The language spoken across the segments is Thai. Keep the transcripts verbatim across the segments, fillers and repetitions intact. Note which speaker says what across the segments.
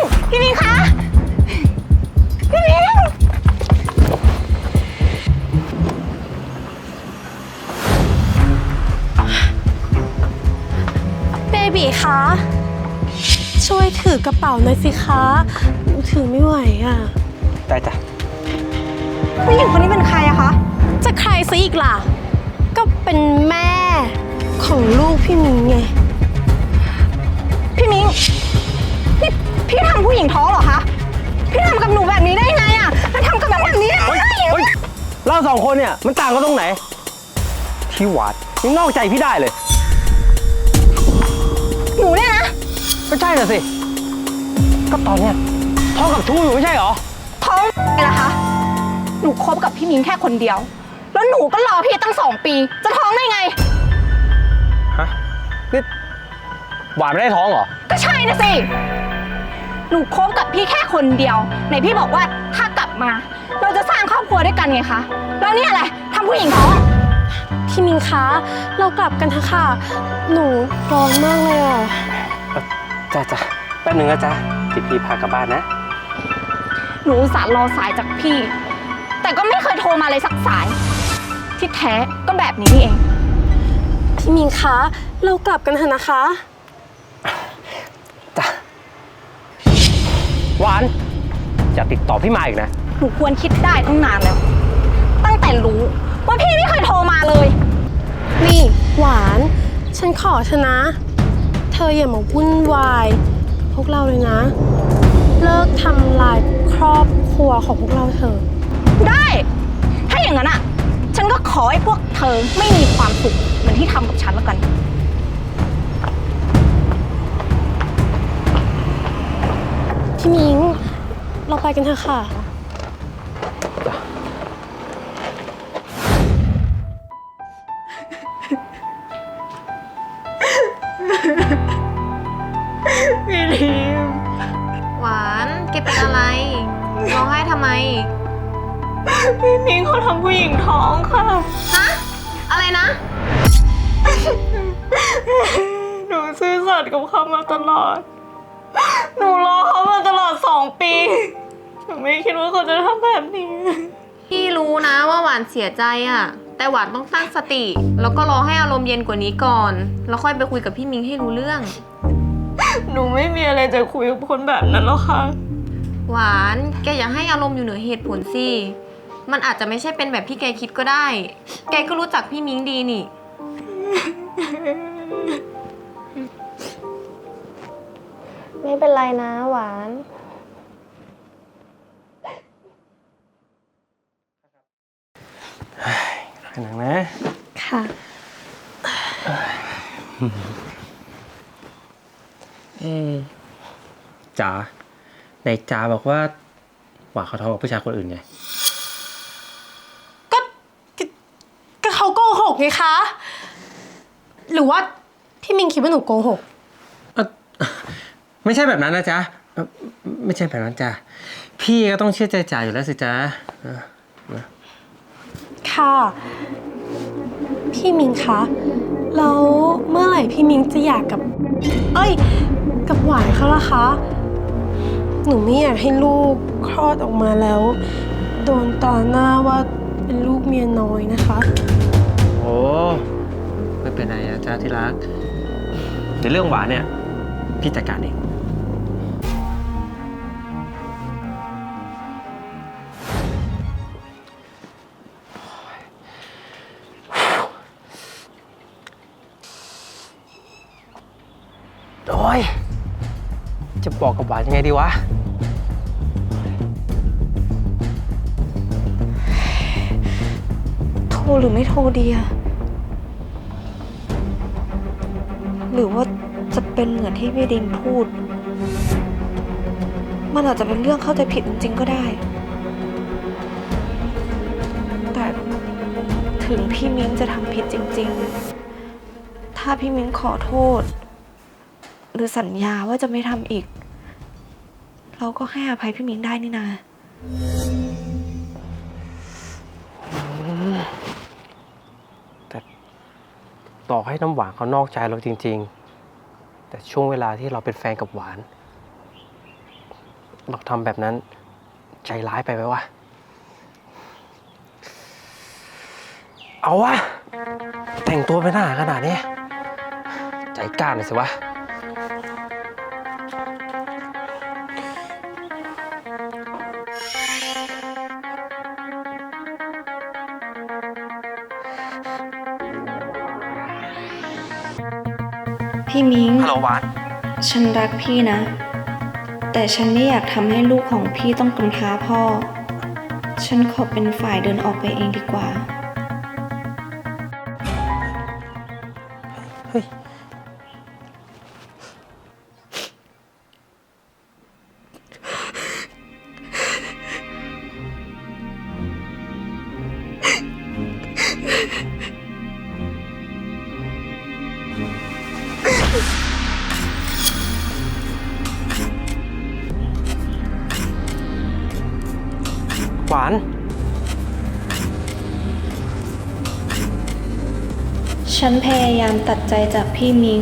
Speaker 1: พี่มิงคะพี่มิง
Speaker 2: เบบีคะช่วยถือกระเป๋าหน่อยสิคะถือไม่ไหวอ่ะ
Speaker 3: ได้จ้ะ
Speaker 1: ผู้หญิงคนนี้เป็นใครอะคะ
Speaker 2: จะใครซะอีกล่ะก็เป็นแม่ของลูกพี่มิงไง
Speaker 1: พี่มิงนี่พี่ทำผู้หญิงท้องเหรอคะพี่ทำกับหนูแบบนี้ได้ไงอะแล้วทำกับแบบนี้ได้ไง
Speaker 3: เราสองคนเนี่ยมันต่างกันตรงไหนพี่หวาดยังนอกใจพี่ได้เลย
Speaker 1: หนูเนี่ยนะ
Speaker 3: ก็ใช่น่ะสิก็ตอนเนี้ยท้องกับชู้อยู่ไม่ใช่เหรอ
Speaker 1: ท้องไงล่ะคะหนูคบกับพี่มิงแค่คนเดียวแล้วหนูก็รอพี่ตั้งสองปีจะท้องได้ไง
Speaker 3: ฮะนี่หวานไม่ได้ท้องเหรอ
Speaker 1: ก็ใช่นะสิหนูคบกับพี่แค่คนเดียวไหนพี่บอกว่าถ้ากลับมาเราจะสร้างครอบครัวด้วยกันไงคะแล้วเนี่ยอะไรทำผู้หญิงท้อง
Speaker 2: พี่มิงคะเรากลับกันเถอะค่ะหนูร้อนมากเลยอ่ะ
Speaker 3: จ้าจ้าแป๊บนึงนะจ๊ะที่พี่พากลับบ้านนะ
Speaker 1: หนูอุตส่าห์รอสายจากพี่แต่ก็ไม่เคยโทรมาเลยสักสายที่แท้ก็แบบนี้นี่เอง
Speaker 2: พี่มิงคะเรากลับกันเถอะนะคะ
Speaker 3: จ้ะหวานอย่าติดต่อพี่มาอีกนะ
Speaker 1: หนูควรคิดได้ตั้งนานแล้วตั้งแต่รู้ว่าพี่ไม่เคยโทรมาเลย
Speaker 2: นี่หวานฉันขอเธอนะเธออย่ามาวุ่นวายกับพวกเราเลยนะเลิกทำลายครอบครัวของพวกเราเถอะ
Speaker 1: ได้ถ้าอย่างนั้นอ่ะฉันก็ขอให้พวกเธอไม่มีความสุขเหมือนที่ทำกับฉันแล้วกัน
Speaker 2: พี่มิงเราไปกันเถอะค่ะ
Speaker 1: พี่ลิม
Speaker 4: หวานแกเป็นอะไรร้องไห้ทำไม
Speaker 1: พี่มิงเขาทำผู้หญิงท้องค่ะ
Speaker 4: ฮะอะไรนะ
Speaker 1: หนูซื่อสัตย์กับเขามาตลอดหนูรอเขามาตลอดสองปีหนูไม่คิดว่าเขาจะทำแบบนี้
Speaker 4: พี่รู้นะว่าหวานเสียใจอะแต่หวานต้องตั้งสติแล้วก็รอให้อารมณ์เย็นกว่านี้ก่อนแล้วค่อยไปคุยกับพี่มิงให้รู้เรื่อง
Speaker 1: หนูไม่มีอะไรจะคุยกับคนแบบนั้นแล้วค่ะ
Speaker 4: หวานแกอย่าให้อารมณ์อยู่เหนือเหตุผลสิมันอาจจะไม่ใช่เป็นแบบที่แกคิดก็ได้แกก็รู้จักพี่มิงดีนี่
Speaker 2: ไม่เป็นไรนะหวาน
Speaker 3: ขนาดนะ
Speaker 2: ค่ะ
Speaker 3: เอ๊จ๋าในจ๋าบอกว่าหวานเขาท้องกับผู้ชายคนอื่นไง
Speaker 2: ก็ก็เขาโกหกไงคะหรือว่าพี่มิงคิดว่าหนูโกหก
Speaker 3: ไม่ใช่แบบนั้นนะจ๊ะไม่ใช่แบบนั้นจ้ะพี่ก็ต้องเชื่อใจจ๋าอยู่แล้วสิจ๊ะ
Speaker 2: ค่ะพี่มิงคะแล้วเมื่อไหร่พี่มิงจะอยากกับเอ้ยกับหวานเขาล่ะคะหนูไม่อยากให้ลูกคลอดออกมาแล้วโดนตาหน้าว่าเป็นลูกเมียน้อยนะคะ
Speaker 3: โอ้ไม่เป็นไรนะจ๊ะที่รักในเรื่องหวานเนี่ยพี่จัดการเองโอ้ยจะบอกกับหวานยังไงดีวะ
Speaker 1: โทรหรือไม่โทรดีอะหรือว่าจะเป็นเหมือนที่พี่ดินพูดมันอาจจะเป็นเรื่องเข้าใจผิดจริงๆก็ได้แต่ถึงพี่มิ้งจะทำผิดจริงๆถ้าพี่มิ้งขอโทษหรือสัญญาว่าจะไม่ทำอีกเราก็ให้อภัยพี่มิ้งได้นี่นา
Speaker 3: แต่ต่อให้น้ำหวานเขานอกใจเราจริงๆแต่ช่วงเวลาที่เราเป็นแฟนกับหวานเราทำแบบนั้นใจร้ายไปไหมวะ เอาวะ แต่งตัวเป็นทหารขนาดนี้ ใจกล้าหน่อยสิวะ
Speaker 1: พี่มิ้ง
Speaker 3: ฮัลโหลหวาน
Speaker 1: ฉันรักพี่นะ แต่ฉันไม่อยากทำให้ลูกของพี่ต้องกำพร้าพ่อ ฉันขอเป็นฝ่ายเดินออกไปเองดีกว่า
Speaker 3: เฮ้ย หวาน
Speaker 1: ฉันพยายามตัดใจจากพี่มิ้ง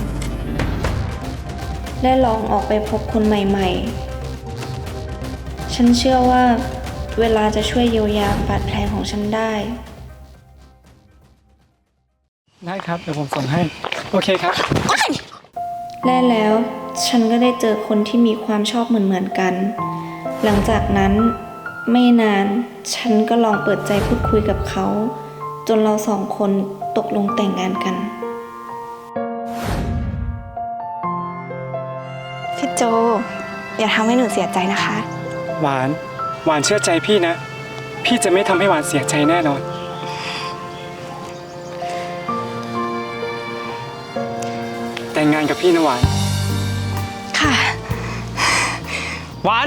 Speaker 1: และลองออกไปพบคนใหม่ๆ ฉันเชื่อว่าเวลาจะช่วยเยียวยาบาดแผลของฉันได้
Speaker 5: ได้ครับ เดี๋ยวผมส่งให้ โอเคครับ
Speaker 1: และแล้วฉันก็ได้เจอคนที่มีความชอบเหมือนๆกัน หลังจากนั้นไม่นานฉันก็ลองเปิดใจพูดคุยกับเขา จนเราสองคนตกลงแต่งงานกัน พี่โจ อย่าทำให้หนูเสียใจนะคะ
Speaker 5: หวาน หวานเชื่อใจพี่นะ พี่จะไม่ทำให้หวานเสียใจแน่นอน แต่งงานกับพี่นะหวาน
Speaker 1: ค่ะ
Speaker 3: หวาน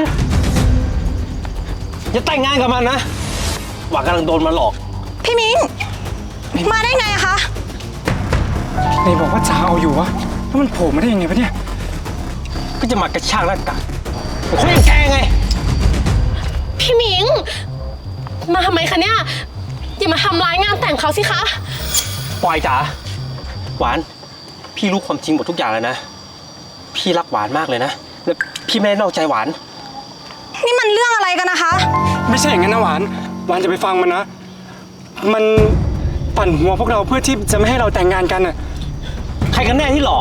Speaker 3: อย่าแต่งงานกับมันนะ หวานกำลังโดนมันหลอก
Speaker 1: พี่มิ้ง มาได้ไงคะ
Speaker 5: ไหนบอกว่าจะเอาอยู่วะ แล้วมันโผล่มาได้ยังไงวะเนี่ย
Speaker 3: ก็จะมากระชากร่างกายเขายังแกไง
Speaker 2: พี่หมิง มาทำไมคะเนี่ย อย่ามาทำร้ายงานแต่งเขาสิคะ
Speaker 3: ปล่อยจ๋า หวาน พี่รู้ความจริงหมดทุกอย่างเลยนะ พี่รักหวานมากเลยนะ และพี่ไม่ได้นอกใจหวาน
Speaker 1: นี่มันเรื่องอะไรกันนะคะ
Speaker 5: ไม่ใช่อย่างนั้นนะหวาน หวานจะไปฟังมันนะ มันปั่นหัวพวกเราเพื่อที่จะไม่ให้เราแต่งงานกันน่ะ
Speaker 3: ใครกันแน่ที่หลอก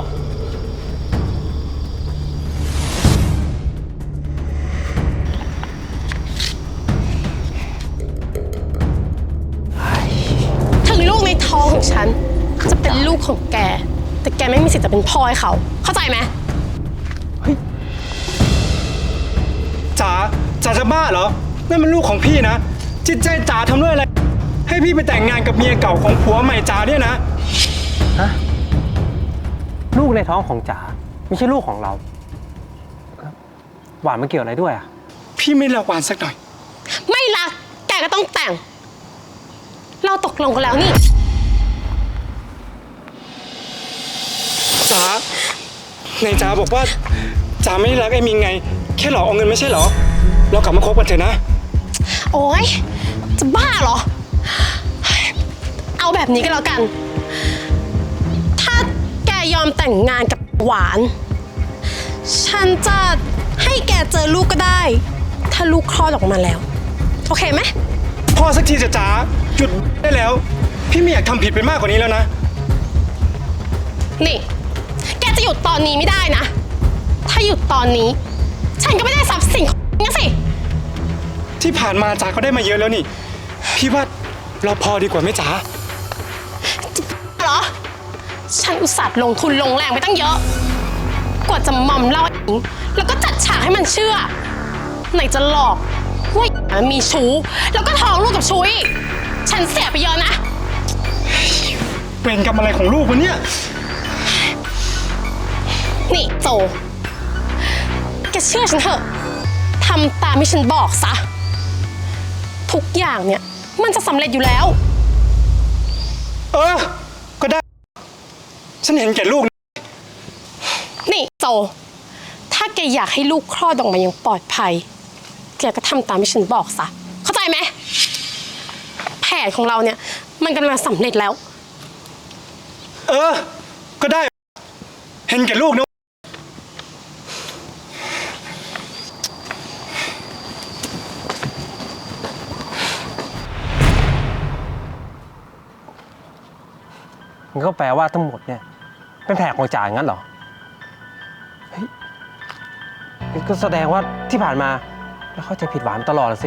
Speaker 2: ถึงลูกในท้องของฉัน จะเป็นลูกของแก แต่แกไม่มีสิทธิ์จะเป็นพ่อให้เขา เข้าใจไหม
Speaker 5: จ๋า จ๋าจะบ้าเหรอ นั่นมันลูกของพี่นะ จิตใจจ๋าทำด้วยอะไร ให้พี่ไปแต่งงานกับเมียเก่าของผัวใหม่จ๋าเนี่ยนะ
Speaker 3: ฮะ ลูกในท้องของจ๋าไม่ใช่ลูกของเรา หวานมันเกี่ยวอะไรด้วยอ่ะ
Speaker 5: พี่ไม่รักหวานสักหน่อย
Speaker 2: ไม่รัก แกก็ต้องแต่ง เราตกลงกันแล้วนี่
Speaker 5: จ๋าในจ๋าบอกว่าจ๋าไม่ได้รักไอ้มิงไง แค่หลอกเอาเงินไม่ใช่เหรอ เรากลับมาคบกันเถอะนะ
Speaker 2: โอ๊ย จะบ้าเหรอ เอาแบบนี้ก็แล้วกัน ถ้าแกยอมแต่งงานกับหวาน ฉันจะให้แกเจอลูกก็ได้ ถ้าลูกคลอดออกมาแล้ว โอเคไหม
Speaker 5: พ่อสักทีจะจ๋าหยุดได้แล้ว พี่ไม่อยากทำผิดไปมากกว่านี้แล้วนะ
Speaker 2: นี่ แกจะหยุดตอนนี้ไม่ได้นะ ถ้าหยุดตอนนี้ ฉันก็ไม่ได้ทรัพย์สินของงั้นสิ
Speaker 5: ที่ผ่านมาจ๋าก็ได้มาเยอะแล้วนี่ พี่ว่าเราพอดีกว่าไหมจ๋า
Speaker 2: เหรอ ฉันอุตส่าห์ลงทุนลงแรงไปตั้งเยอะ กว่าจะมอมเล่าไอ้หญิงแล้วก็จัดฉากให้มันเชื่อ ไหนจะหลอกว่ามันมีชู้ แล้วก็ท้องลูกกับชู้อีก ฉันเสียไปเยอะนะ
Speaker 5: เวรกรรมอะไรของลูกวะเนี่ย
Speaker 2: นี่โจ แกเชื่อฉันเถอะ ทำตามที่ฉันบอกซะ ทุกอย่างเนี่ย มันจะสำเร็จอยู่แล้ว
Speaker 5: เออ ก็ได้ ฉันเห็นแก่ลูกนะ
Speaker 2: นี่โจ ถ้าแกอยากให้ลูกคลอดออกมาอย่างปลอดภัย แกก็ทำตามที่ฉันบอกซะ เข้าใจไหม แผนของเราเนี่ย มันกำลังสำเร็จแล้ว
Speaker 5: เออ ก็ได้ เห็นแก่ลูกนะ
Speaker 3: มันก็แปลว่าทั้งหมดเนี่ยเป็นแผนของจ๋าอย่างนั้นเหรอเฮ้ยก็แสดงว่าที่ผ่านมาแล้วเข้าใจผิดหวานตลอดสิ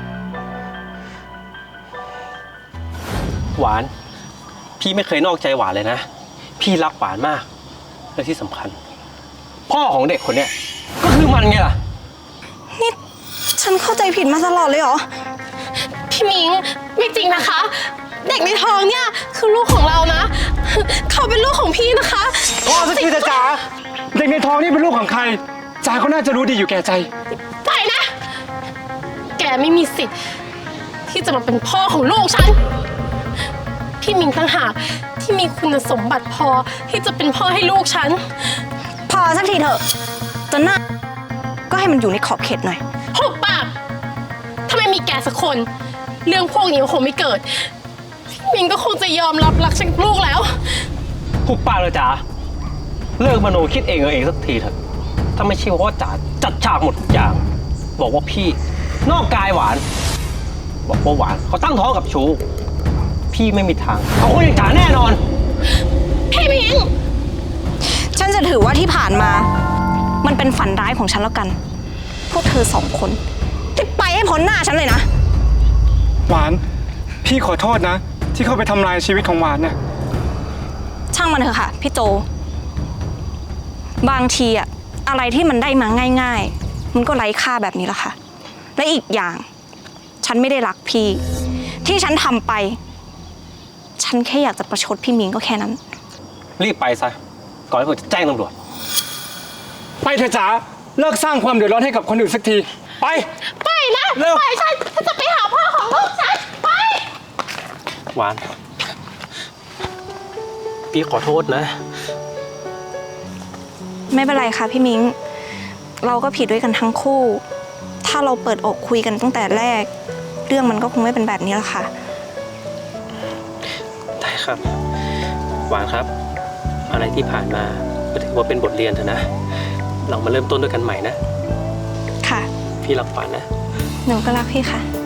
Speaker 3: หวานพี่ไม่เคยนอกใจหวานเลยนะพี่รักหวานมากและที่สำคัญ พ่อของเด็กคนเนี้ยก็คือมันไงล่ะ
Speaker 1: นี่ฉันเข้าใจผิดมาตลอดเลยเหรอ
Speaker 2: พี่มิงไม่จริงนะคะ เด็กในท้องเนี่ยคือลูกของเรานะ เขาเป็นลูกของพี่นะคะ
Speaker 5: พ่อสักทีเถอะจ๋าเด็กในท้องนี่เป็นลูกของใครจ๋าก็น่าจะรู้ดีอยู่แก่ใจ
Speaker 2: ไปนะ แกไม่มีสิทธิ์ที่จะมาเป็นพ่อของลูกฉัน พี่มิงต่างหากที่มีคุณสมบัติพอที่จะเป็นพ่อให้ลูกฉัน
Speaker 1: พอสักทีเถอะจนหน้าก็ให้มันอยู่ในขอบเขตหน่อย
Speaker 2: หุบปากถ้าไม่มีแกสักคน เรื่องพวกนี้ก็คงไม่เกิด พี่มิงก็คงจะยอมรับรักฉันกับลูกแล้ว
Speaker 3: หุบปากเลยจ๋าเลิกมโนคิดเองเออเองสักทีเถอะถ้าไม่ใช่ว่าจ๋าจัดฉากหมดทุกอย่าง บอกว่าพี่นอกกายหวาน บอกว่าหวานเขาตั้งท้องกับชูพี่ไม่มีทางเอาคนอย่างจ๋าแน่นอน
Speaker 2: พี่มิง
Speaker 1: ฉันจะถือว่าที่ผ่านมา มันเป็นฝันร้ายของฉันแล้วกัน พวกเธอสองคนที่ไปให้พ้นหน้าฉันเลยนะ
Speaker 5: หวาน พี่ขอโทษนะ ที่เข้าไปทำลายชีวิตของหวานเนี่ย
Speaker 1: ช่างมันเถอะค่ะพี่โจ บางทีอะอะไรที่มันได้มาง่ายๆ มันก็ไร้ค่าแบบนี้แหละค่ะ และอีกอย่าง ฉันไม่ได้รักพี่ ที่ฉันทำไป ฉันแค่อยากจะประชดพี่มิงก็แค่นั้น
Speaker 3: รีบไปซะก่อนที่ผมจะแจ้งตำรวจ
Speaker 5: ไปเถอะจ๋าเลิกสร้างความเดือดร้อนให้กับคนอื่นสักที ไป
Speaker 2: ไปนะ
Speaker 3: เร็ว
Speaker 2: ไปฉันฉันจะไปหาพ่อของลูกฉัน ไป
Speaker 3: หวาน พี่ขอโทษนะ
Speaker 1: ไม่เป็นไรค่ะพี่มิง เราก็ผิดด้วยกันทั้งคู่ ถ้าเราเปิดอกคุยกันตั้งแต่แรก เรื่องมันก็คงไม่เป็นแบบนี้แล้วค่ะ
Speaker 3: ได้ครับ หวานครับ อะไรที่ผ่านมาก็ถือว่าเป็นบทเรียนเถอะนะ เรามาเริ่มต้นด้วยกันใหม่นะ
Speaker 1: ค่ะ
Speaker 3: พี่รักหวานนะ
Speaker 1: หนูก็รักพี่ค่ะ